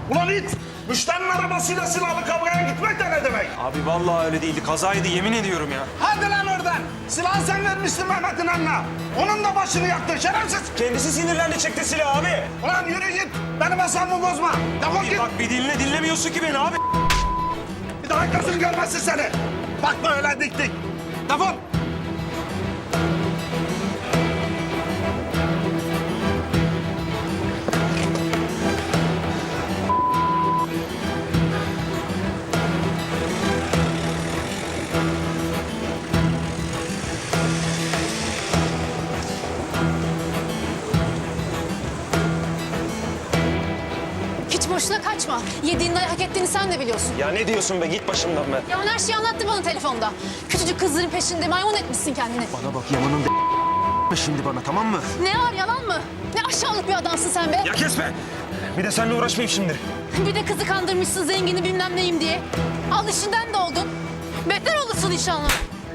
Ulan it! Müşterinin arabasıyla silahlı kavgaya gitmek de ne demek? Abi vallahi öyle değildi. Kazaydı yemin ediyorum ya. Hadi lan oradan! Silahı sen vermiştin Mehmet'in eline. Onun da başını yaktın şerefsiz! Kendisi sinirlendi çekti silahı abi. Ulan yürü git! Benim asabımı bozma! Defol git! Bak bir diline dinlemiyorsun ki beni abi. Bir daha gözüm görmesin seni! Bakma öyle dik dik! Defol! Hiç boşuna kaçma. Yediğin dayağı hak ettiğini sen de biliyorsun. Ya ne diyorsun be git başımdan be. Yaman her şeyi anlattı bana telefonda. Küçücük kızların peşinde maymun etmişsin kendini. Bana bak Yaman'ın şimdi bana tamam mı? Ne var yalan mı? Ne aşağılık bir adamsın sen be. Ya kesme. Bir de seninle uğraşmayayım şimdi. Bir de kızı kandırmışsın zengini bilmem neyim diye. Al işinden de oldun. Beter olursun inşallah.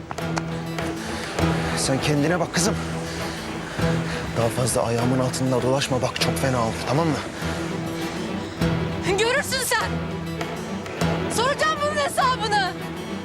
Sen kendine bak kızım. Daha fazla ayağımın altında dolaşma bak çok fena olur tamam mı? Görürsün sen. Soracağım bunun hesabını.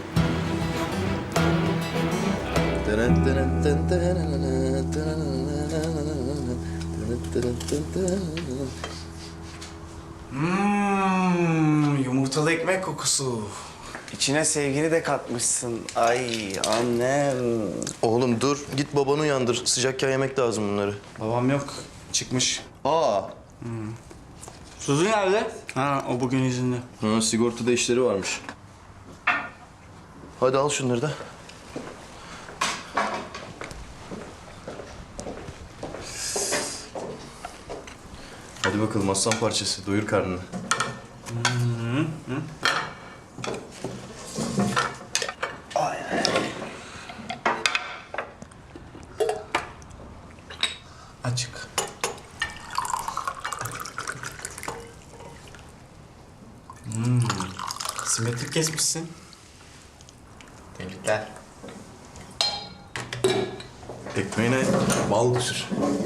Yumurtalı ekmek kokusu. İçine sevgini de katmışsın. Ay annem. Oğlum dur git babanı uyandır. Sıcakken yemek lazım bunları. Babam yok. Çıkmış. Aa. Suzu nerede? Ha o bugün izinli. Ha, sigortada işleri varmış. Hadi al şunları da. Hadi bakalım aslan parçası. Doyur karnını. Açık. Simetrik kesmişsin. Tebrikler. Ekmeğine bal sür.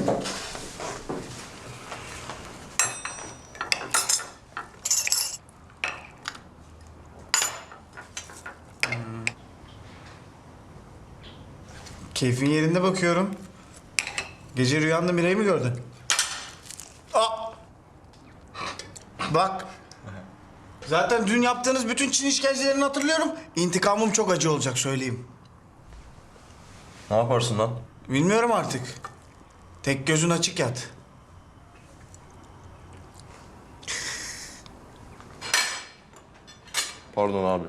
Keyfin yerinde bakıyorum. Gece rüyanda Miray'ı mı gördün? Aa! Bak. Zaten dün yaptığınız bütün Çin işkencelerini hatırlıyorum. İntikamım çok acı olacak söyleyeyim. Ne yaparsın lan? Bilmiyorum artık. Tek gözün açık yat. Pardon abi.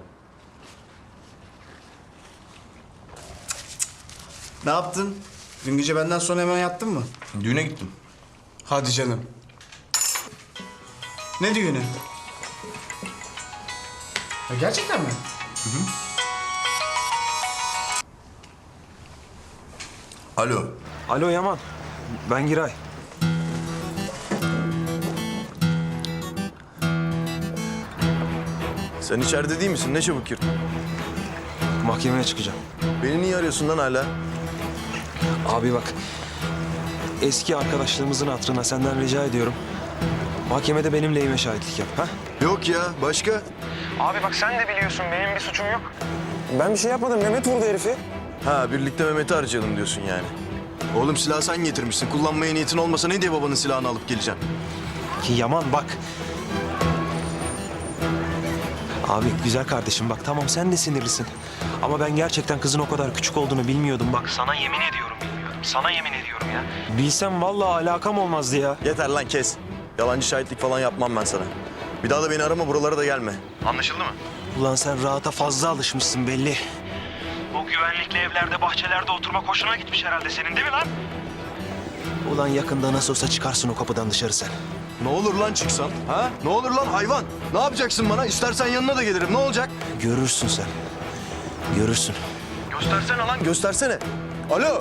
Ne yaptın? Dün gece benden sonra hemen yattın mı? Düğüne gittim. Hadi canım. Ne düğünü? Ya gerçekten mi? Alo. Alo Yaman. Ben Giray. Sen içeride değil misin? Ne çabuk girdin. Mahkemeye çıkacağım. Beni niye arıyorsun lan hala? Abi bak. Eski arkadaşlığımızın hatırına senden rica ediyorum. Mahkemede benim lehime şahitlik yap. Ha? Yok ya başka. Abi bak sen de biliyorsun benim bir suçum yok. Ben bir şey yapmadım. Mehmet vurdu herifi. Ha birlikte Mehmet'i harcayalım diyorsun yani. Oğlum silahı sen getirmişsin. Kullanmaya niyetin olmasa ne diye babanın silahını alıp geleceksin? Ki Yaman bak. Abi güzel kardeşim bak tamam sen de sinirlisin. Ama ben gerçekten kızın o kadar küçük olduğunu bilmiyordum bak. Sana yemin ediyorum bilmiyordum. Sana yemin ediyorum ya. Bilsem vallahi alakam olmazdı ya. Yeter lan kes. Yalancı şahitlik falan yapmam ben sana. Bir daha da beni arama buralara da gelme. Anlaşıldı mı? Ulan sen rahata fazla alışmışsın belli. O güvenlikli evlerde, bahçelerde oturmak hoşuna gitmiş herhalde senin değil mi lan? Ulan yakında nasıl olsa çıkarsın o kapıdan dışarı sen. Ne olur lan çıksan? Ha? Ne olur lan hayvan? Ne yapacaksın bana? İstersen yanına da gelirim. Ne olacak? Görürsün sen. Görürsün. Göstersene lan göstersene. Alo.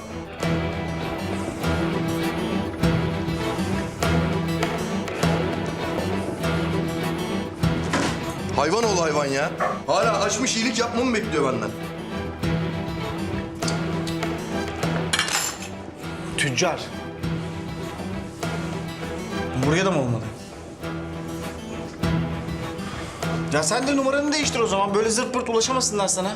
Hayvan ol hayvan ya. Hala açmış iyilik yapmamı bekliyor benden. Tüccar. Buraya da mı olmadı? Ya sen de numaranı değiştir o zaman. Böyle zırt pırt ulaşamasınlar sana.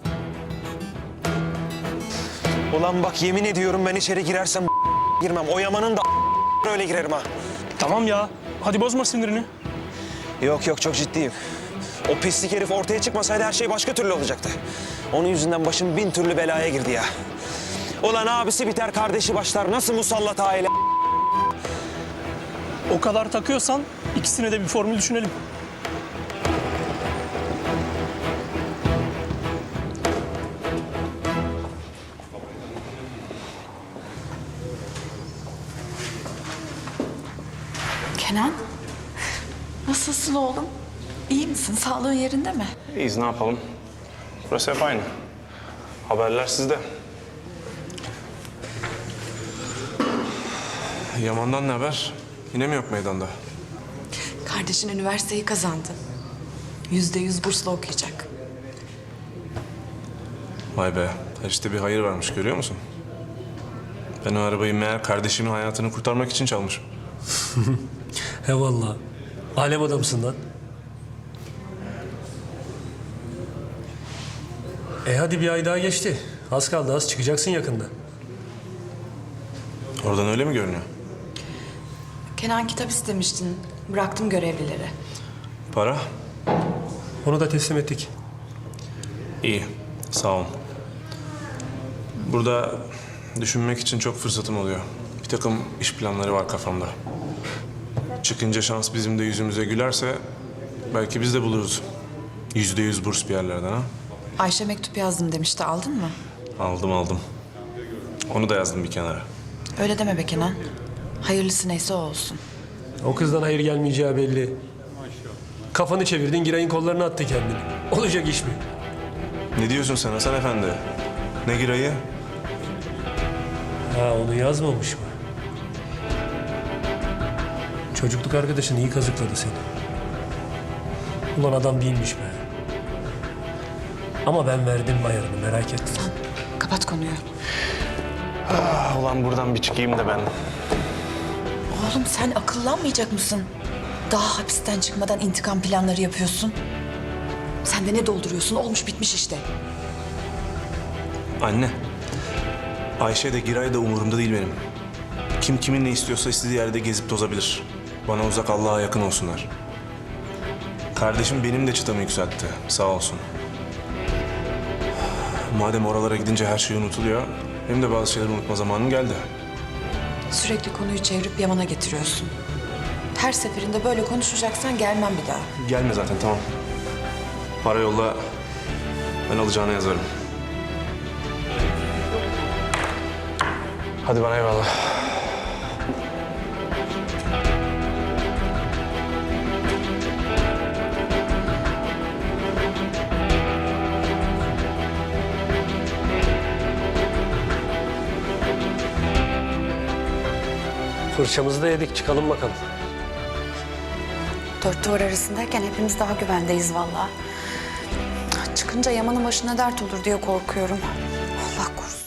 Ulan bak yemin ediyorum ben içeri girersem girmem. O Yaman'ın da öyle girerim ha. Tamam ya. Hadi bozma sinirini. Yok yok çok ciddiyim. O pislik herif ortaya çıkmasaydı her şey başka türlü olacaktı. Onun yüzünden başım 1000 türlü belaya girdi ya. Ulan abisi biter kardeşi başlar. Nasıl musallat aile? O kadar takıyorsan ikisine de bir formül düşünelim. Kenan, nasılsın oğlum? İyi misin? Sağlığın yerinde mi? İyiyiz, ne yapalım? Burası hep aynı. Haberler sizde. Yaman'dan ne haber? Yine mi yok meydanda? Kardeşin üniversiteyi kazandı. %100 bursla okuyacak. Vay be, her işte bir hayır varmış, görüyor musun? Ben o arabayı meğer kardeşimin hayatını kurtarmak için çalmışım. He vallahi. Alem adamsın lan. Hadi bir ay daha geçti. Az kaldı, az çıkacaksın yakında. Oradan öyle mi görünüyor? Kenan, kitap istemiştin. Bıraktım görevlileri. Para? Onu da teslim ettik. İyi, sağ olun. Burada düşünmek için çok fırsatım oluyor. Bir takım iş planları var kafamda. Çıkınca şans bizim de yüzümüze gülerse belki biz de buluruz. %100 burs bir yerlerden ha. Ayşe mektup yazdım demişti. Aldın mı? Aldım. Onu da yazdım bir kenara. Öyle deme be Kenan. Hayırlısı neyse o olsun. O kızdan hayır gelmeyeceği belli. Kafanı çevirdin, Giray'ın kollarına attı kendini. Olacak iş mi? Ne diyorsun sen Hasan Efendi? Ne girayı? Ha, onu yazmamış mı? Çocukluk arkadaşın iyi kazıkladı seni. Ulan adam değilmiş be. Ama ben verdim ayarını, merak etme. Kapat konuyu. Ulan buradan bir çıkayım da ben. Oğlum sen akıllanmayacak mısın? Daha hapisten çıkmadan intikam planları yapıyorsun. Sen de ne dolduruyorsun? Olmuş bitmiş işte. Anne. Ayşe de Giray da umurumda değil benim. Kim kimin ne istiyorsa istediği yerde gezip tozabilir. Bana uzak, Allah'a yakın olsunlar. Kardeşim benim de çıtamı yükseltti. Sağ olsun. Madem oralara gidince her şey unutuluyor, benim de bazı şeyleri unutma zamanım geldi. Sürekli konuyu çevirip Yaman'a getiriyorsun. Her seferinde böyle konuşacaksan gelmem bir daha. Gelme zaten, tamam. Para yolla, ben alacağına yazarım. Hadi bana eyvallah. Fırçamızı da yedik, çıkalım bakalım. Dört duvar arasındayken hepimiz daha güvendeyiz vallahi. Çıkınca Yaman'ın başına dert olur diye korkuyorum. Allah korusun.